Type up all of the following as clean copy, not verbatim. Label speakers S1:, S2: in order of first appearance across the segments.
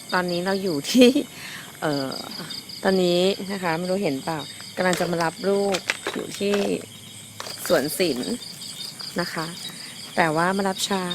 S1: ตอนนี้เราอยู่ที่ตอนนี้นะคะไม่รู้เห็นเปล่ากำลังจะมารับลูกอยู่ที่สวนศิลป์นะคะ แต่ว่ามารับช้า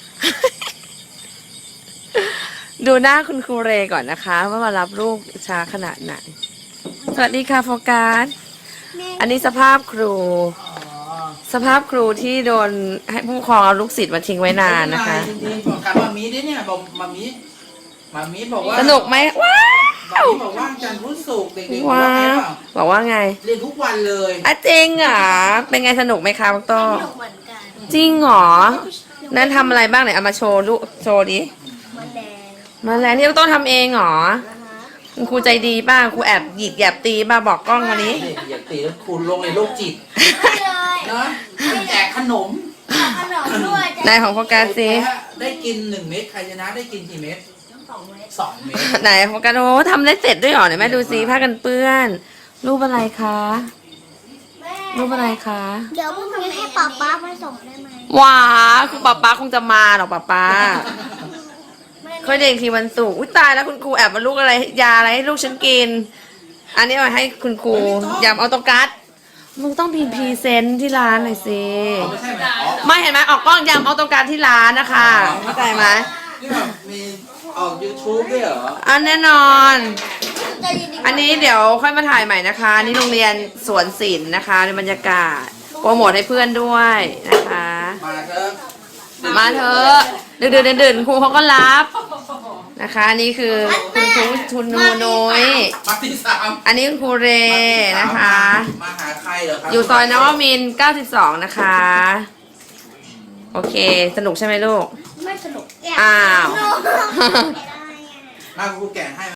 S1: ดูหน้าคุณครูเรก่อนนะคะ ว่ามารับลูกช้าขนาดไหน สวัสดีค่ะโฟกัส อันนี้สภาพครู สภาพครูที่โดนให้ผู้ปกครองเอาลูกศิษย์มาทิ้งไว้นานนะคะ
S2: จริงๆบอกกับมามีด้วยเนี่ยบอกมามีบอกว่า
S1: สนุกไหมว้า
S2: มามีบอกว่าจันทร์พุธศุกร์เด็กๆบอก
S1: ว้า
S2: ว่าไง
S1: ว
S2: เปล่า
S1: บอกว่าไง
S2: เรียนทุกวันเลย
S1: อ่ะจริงเหรอเป็นไงสนุกไหมคะพวกโต
S3: สนุกเหมือนกัน
S1: จริงเหรอนั่นทำอะไรบ้างไหนเอามาโชว์ลูกโชว์ดิ
S3: แมลง
S1: มาแล้วนี่พวกโตทำเองเหรอ
S3: นะคะ
S1: คุณครูใจดีป่ะครูแอบหยิกแยบตีป่ะบอกกล้องมานี้
S2: นี่อย่าตีแล้วคุณลงในโรคจิต
S3: ไม่เลย
S2: เนาะแจกขนม
S3: ขนมด้วย
S1: ไหนของโฟกัสสิ
S2: ได้กิน1 เม็ดใครชนะได้กินกี่เม็ด
S3: 2 เม็ด
S2: 2 เม็ด
S1: ไหนโฟกัสโอ้ทำได้เสร็จด้วยเหรอไหนแม่ดูซิผ้ากันเปื้อน รูปอะไรคะ
S3: แม่
S1: รูปอะไรคะ
S3: เดี๋ยวพรุ่งนี้ให้ป๊าป๊ามาส่งได้ไหม
S1: ว้าคุณป๊าคงจะมาหรอกป๊า
S3: แม่
S1: ค่อยเด็กทีวันศุกร์อุ้ยตายแล้วคุณครูแอบมาลูกอะไรยาอะไรให้ลูกฉันกิน อันนี้มาให้คุณครูยำออโตกัสมึงต้องพรีเซนต์ที่ร้านหน่อยสิ
S2: ไม่ใช่ไหมอ๋อ
S1: ไม่เห็นไหมออกกล้องยำออโตกัสที่ร้านนะคะเข้าใจไหม
S2: นี่แบบมีออก YouTube ด้วยเหรอ
S1: อันแน่นอน
S3: ใจเย็นๆ
S1: อันนี้เดี๋ยวค่อยมาถ่ายใหม่นะคะ นี่โรงเรียนสวนศิลป์นะคะในบรรยากาศโปรโมทให้เพื่อนด้วยนะคะ
S2: มาเถอะ
S1: มาเถอะดื่นครูเขาก็รับนะคะอันนี่คือคุณครูทุนนูนุ้ย
S2: มาที่3
S1: อันนี้คุณครูเรนะคะ
S2: มาหาใครเหรอครับ
S1: อยู่ซอยนวมินทร์92 นะคะ โอเค สนุกใช่ไหมลูก
S3: ไม่สนุก
S1: อ้าว
S3: ไม่ได้อะ
S2: มาครูแกะให้